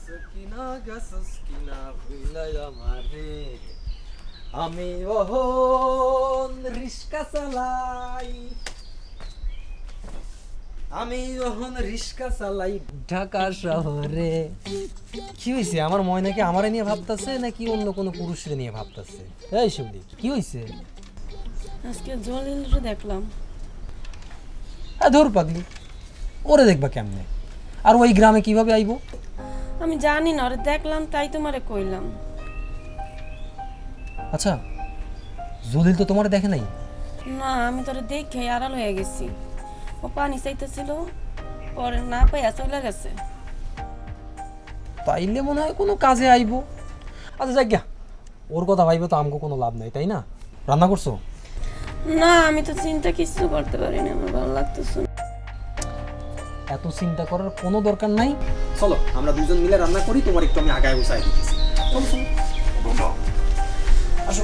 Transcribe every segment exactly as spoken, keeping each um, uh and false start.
কিনা গেছস কিনা ভুলাই আমারে আমি ওহন রিস্কা চালাই আমি ওহন রিস্কা চালাই ঢাকা শহরে। কি হয়েছে? আমার ময়নাকে আমারে নিয়ে ভাবতেছে নাকি অন্য কোনো পুরুষের নিয়ে ভাবতেছে? এই শিবলি, কি হয়েছে? আজকে জলিলরে দেখলাম। হ্যাঁ ধর পাগলি, ওরে দেখবা কেমনে? আর ওই গ্রামে কিভাবে আইবো? আমি জানি না, ওরে দেখলাম তাই তোমারে কইলাম। আচ্ছা, জলিল তো তোমারে দেখে নাই? না, আমি তোরে দেখে আড়াল হয়ে গেছি। ও পানি চাইতেছিল, পরে না পাইয়া চলে গেছে। তাইলে মনে হয় কোনো কাজে আইবো। আচ্ছা যাক গিয়া, ওর কথা ভাইবে তো আমগো কোনো লাভ নাই, তাই না? রান্না করছো? না, আমি তো চিন্তা কিছু করতে পারি না, আমার ভালো লাগতেছে না। এত চিন্তা করার কোনো দরকার নাই। চলো আমরা দুজন মিলে রান্না করি, তোমার একটু আমি আগায় বসাই দিতেছি। চলো চলো আসো।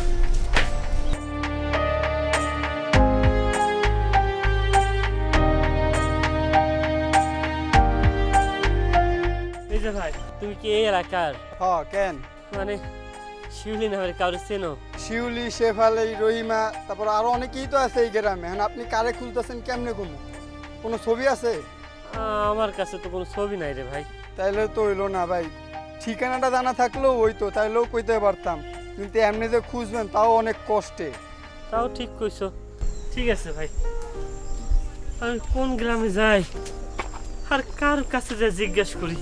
এই যে ভাই, তুমি কি এই এলাকার? হ্যাঁ কেন? মানে শিউলি নামের কারো চেনো? শিউলি, শেফালি, রহিমা, তারপর আরো অনেকেই তো আছে এই গ্রামে। এখন আপনি কারে খুঁজতেছেন, কেমনে কোনো কোনো ছবি আছে? আহ, আমার কাছে তো কোনো ছবি নাই রে ভাই। তাইলে তো হইলো না ভাই। ঠিকানাটা জানা থাকলেও ওই তো, তাইলেও কইতে পারতাম, কিন্তু এমনি যে খুঁজবেন তাও অনেক কষ্টে। তাও ঠিক কইছো। ঠিক আছে ভাই, আমি কোন গ্রামে যাই আর কার কাছে যা জিজ্ঞাসা করি?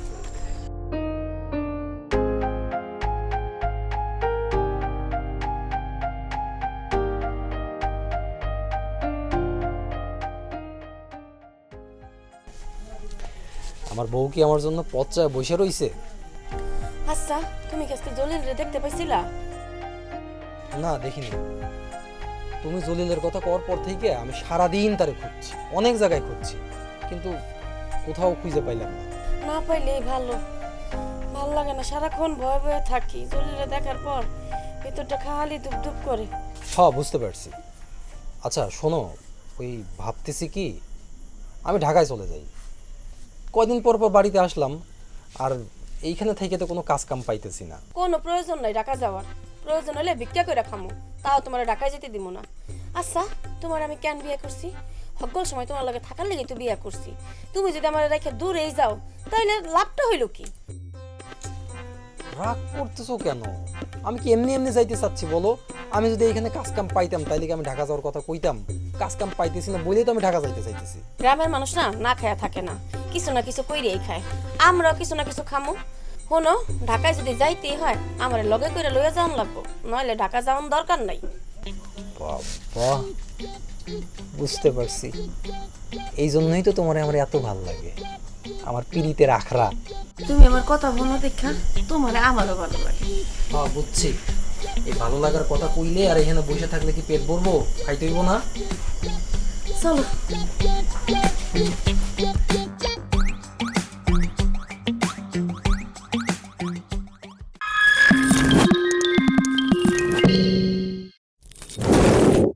আমার বউ কি আমার জন্য পচায় বসে রইছে? আচ্ছা, তুমি কি আজকে জলিলরে দেখতে পাইছিলা? না দেখিনি। তুমি জলিলের কথা কওয়ার পর থেকে আমি সারাদিন তারে খুঁজছি, অনেক জায়গায় খুঁজছি, কিন্তু কোথাও খুঁজে পাইলাম না। না পাইলেই ভালো। ভালো লাগে না, সারাক্ষণ ভয়ে ভয়ে থাকি। জলিলরে দেখার পর ভিতরটা খালি ধুপ ধুপ করে। হ্যাঁ বুঝতে পারছি। আচ্ছা শোনো, ওই ভাবতেছি কি আমি ঢাকায় চলে যাই। কয়দিন পর পর বাড়িতে আসলাম, আর এইখানে থেকে তো কোনো কাজ কাম পাইতেছি না। কোনো প্রয়োজন নাই ঢাকা যাওয়ার। প্রয়োজন হলে ভিক্ষা করে খামু, তাও তোমার ঢাকায় যেতে দিব না। আচ্ছা, তোমার আমি কেন বিয়ে করছি? সকল সময় তোমার লগে থাকার লেগে তো বিয়ে করছি। তুমি যদি আমার রেখে দূরেই যাও, তাহলে লাভটা হইল কি? রাগ করতেছো কেন? আমি কি এমনি এমনি যাইতে চাচ্ছি বলো? আমি যদি এখানে কাজ কাম পাইতাম তাইলে কি আমি ঢাকা যাওয়ার কথা কইতাম? কাজ কাম পাইতেছি না বলেই তো আমি ঢাকা যাইতে চাইতেছি। গ্রামের মানুষ না না খায়া থাকে না, কিছু না কিছু কইরেই খায়। আমরাও কিছু না কিছু খামু। শোনো, ঢাকায় যদি যাইতেই হয় আমার লগে করে লইয়া যাওয়ান লাগবো, নইলে ঢাকা যাওয়ার দরকার নাই। বাবা, বুঝতে পারছি। এই জন্যই তো তোমার আমার এত ভাল লাগে, আমার পিরিতের আখড়া। তুমি আমার কথা বলো দেখা তোমার আমারও ভালো লাগে। হ্যাঁ বুঝছি। এই ভালো লাগার কথা কইলে আর এখানে বসে থাকলে কি পেট ভরবো? খাইতে হইব না? চলো।